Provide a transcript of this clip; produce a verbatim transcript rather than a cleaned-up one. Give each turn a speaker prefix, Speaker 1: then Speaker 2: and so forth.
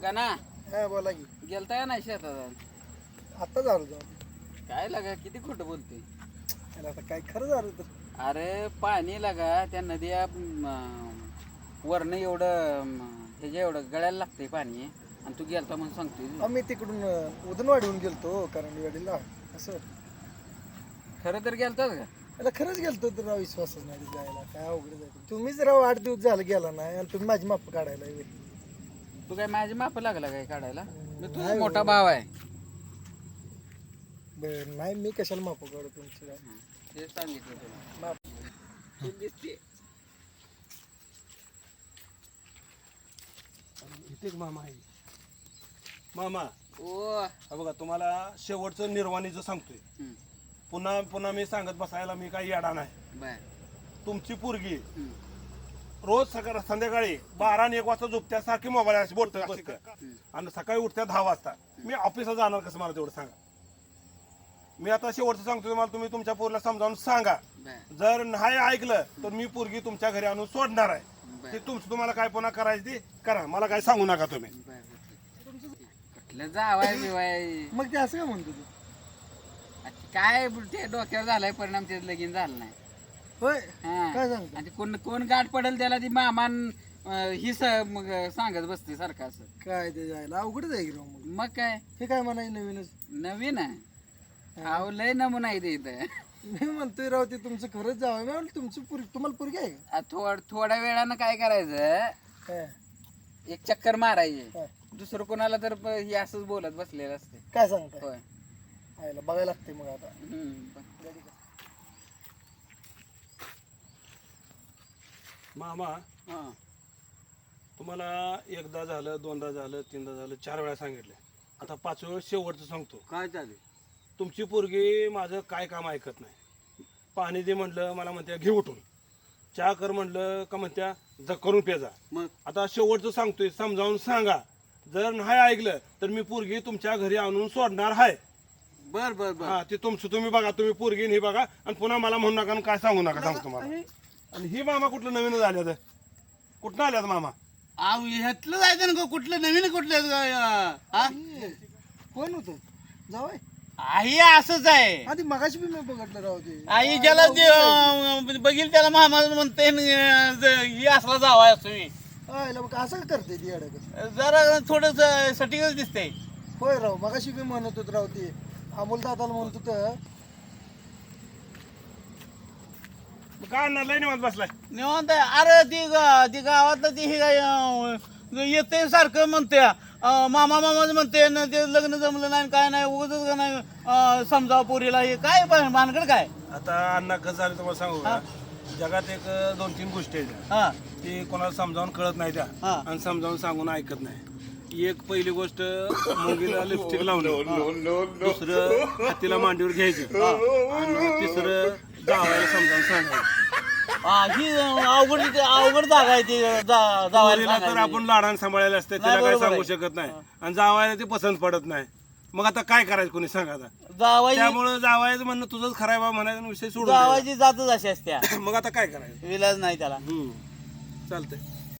Speaker 1: का ना
Speaker 2: हा बोला की.
Speaker 1: गेलता का नाही शेतात
Speaker 2: आता झालो जाऊन.
Speaker 1: काय लागा किती खोटं बोलते
Speaker 2: अरे आता काय खरं झालं तर.
Speaker 1: अरे पाणी लागा त्या नद्या वरनं एवढं म, ह्याच्या एवढं गळ्याला लागतंय पाणी आणि तू गेलता म्हणून सांगतोय
Speaker 2: आम्ही तिकडून अं, उदनवाडीहून गेलतो करंडीवाडीला असं.
Speaker 1: खरं तर गेलताच का
Speaker 2: त्याला खरंच गेलतो तर राव विश्वासच नाही जायला. काय अवघड जायचं तुम्हीच राव आठ दिवस झालं गेला नाही आणि तुम्ही माझी माप काढायला येईल.
Speaker 1: तू काय माझी माप लागला काय काढायला मी तुझा
Speaker 2: नाही
Speaker 1: मोठा
Speaker 2: हो.
Speaker 1: भाव आहे
Speaker 2: बरं नाही मी कशाला माप काढू तुमची काय.
Speaker 1: तेच सांगितलं तुला
Speaker 2: माप
Speaker 1: तू दिसते
Speaker 3: इथे एक मामा आहे. मामा
Speaker 1: ओ
Speaker 3: हा बघा तुम्हाला शेवटचं निर्वाणीचं सांगतोय.
Speaker 1: हम्म,
Speaker 3: पुन्हा पुन्हा मी सांगत बसायला मी काही येडा नाही.
Speaker 1: बर
Speaker 3: तुमची पोरगी
Speaker 1: हम्म,
Speaker 3: रोज सकाळ संध्याकाळी बारा आणि एक वाजता झोपत्यासारखी मोबाईल बोलत बसत्या आणि सकाळी उठत्या दहा वाजता. मी ऑफिसला जाणार कसं मला तेवढं सांगा. मी आता शेवटचं सांगतोय तुम्हाला, तुम्ही तुमच्या पोरीला समजावून सांगा.
Speaker 1: बर
Speaker 3: जर नाही ऐकलं तर मी पोरगी तुमच्या घरी आणून सोडणार आहे.
Speaker 1: बर
Speaker 3: ते तुमचं तुम्हाला काय पुन्हा करायचं ते करा, मला काय सांगू नका तुम्ही.
Speaker 1: बर कुठलं जावाय बिवाय
Speaker 2: मग ते असं का म्हणतो तू.
Speaker 1: काय ते डोक्यावर झालाय परिणाम ते लगीन झालं नाही
Speaker 2: होय
Speaker 1: हा.
Speaker 2: काय सांगतो.
Speaker 1: आणि कोण कोण गाठ पडेल त्याला ती मामान अं, ही स मग सांगत बसते सारखं असं
Speaker 2: काय ते जायला अवघडच आहे की राव मग.
Speaker 1: मग काय
Speaker 2: हे काय म्हणाय नवीनच.
Speaker 1: नवीन आहे अहो लय नमुना आहे ते इथं
Speaker 2: मी म्हणतोय राव ते तुमचं खरंच जावं. मी म्हणलं तुमची पुरी तुम्हाला पुरगी आहे
Speaker 1: आ, थोड थोड्या वेळानं काय करायचं
Speaker 2: का. हा,
Speaker 1: एक चक्कर मारायची
Speaker 2: हा.
Speaker 1: दुसरं कोणाला तर प- हे असंच बोलत बसलेलं असते
Speaker 2: काय सांगताय.
Speaker 1: होय
Speaker 2: आयला बघायला लागते मग आता.
Speaker 1: हम्म.
Speaker 3: मामा
Speaker 1: हा.
Speaker 3: तुम्हाला एकदा झालं, दोनदा झालं, तीनदा झालं, चार वेळा सांगितलं. आता पाच वेळ शेवटचं सांगतो.
Speaker 1: काय चालेल
Speaker 3: तुमची पोरगी माझं काय काम ऐकत नाही. पाणी दे म्हटलं मला म्हणत्या घे उठून. चहा कर म्हटलं का म्हणत्या ज करून पेजा.
Speaker 1: मग
Speaker 3: आता शेवटचं सांगतोय, समजावून सांगा. जर नाही ऐकलं तर मी पोरगी तुमच्या घरी आणून सोडणार आहे.
Speaker 1: बर बर बर
Speaker 3: हा ते तुमचं तुम्ही बघा, तुम्ही पोरगी हे बघा आणि पुन्हा मला म्हणू नका आणि काय सांगू नका सांगतो तुम्हाला. आणि ही मामा कुठलं नवीन आल्यात, कुठं आल्यात मामा.
Speaker 4: अहो ह्यातलं जायचं ना कुठलं नवीन कुठलं हा
Speaker 2: कोण होतं जावय.
Speaker 4: आई असंच आहे.
Speaker 2: आधी मगाशी बी मी बघितलं राव ते.
Speaker 4: आई ज्याला जे, अं, बघील त्याला मामा म्हणते न, अं, ज- ही असला जावा असतो मी.
Speaker 2: आयला मग असं का करते ती अडकत.
Speaker 4: जरा थोडस सटिकच दिसतंय.
Speaker 2: होय राव मगाशी बी म्हणत होत राव ते अमोल दादाला म्हणत होतं.
Speaker 3: काय आणणार लय निवांत बसलाय.
Speaker 4: निवांत आहे. अरे ती ग- ती गावातलं ती हे काय, अं, येते सारखं म्हणते अं, मामा मामाच म्हणते न ते लग्न जमलं नाही काय नाही उगाच नाही अं, समजावं पोरीला हे काय पण भानगड काय.
Speaker 3: आता अण्णा कसं झालं तुम्हाला सांगू का. जगात एक दोन तीन गोष्टी आहेत
Speaker 4: हा
Speaker 3: ते कोणाला समजावून कळत नाही त्या
Speaker 4: हा.
Speaker 3: आणि समजावून सांगून ऐकत नाही. एक पहिली गोष्ट मुंगीला लिपस्टिक लावणं, दुसरं हातीला मांडीवर घ्यायचं आणि तिसरं जावायला समजावून सांगायचं.
Speaker 4: हा, ही अवघड अवघड जागा आहे ती जा- जावायला
Speaker 3: पोरीला तर
Speaker 4: सांगायची.
Speaker 3: आपण लाडाने सांभाळायला असते, तिला
Speaker 4: नाही,
Speaker 3: काय
Speaker 4: बरोबर
Speaker 3: सांगू
Speaker 4: आहे.
Speaker 3: शकत नाही आणि जावायला ते पसंत पडत नाही. मग आता काय करायचं कोणी सांगा आता.
Speaker 4: जावायची
Speaker 3: त्यामुळे जावायचं म्हणणं तुझंच खराय बा म्हणायचा विषय सोडून द्यायचा.
Speaker 4: जावायची जातच अशी असत्या.
Speaker 3: मग आता काय करायचं.
Speaker 4: विलाज नाही त्याला.
Speaker 3: हम्म चालतंय.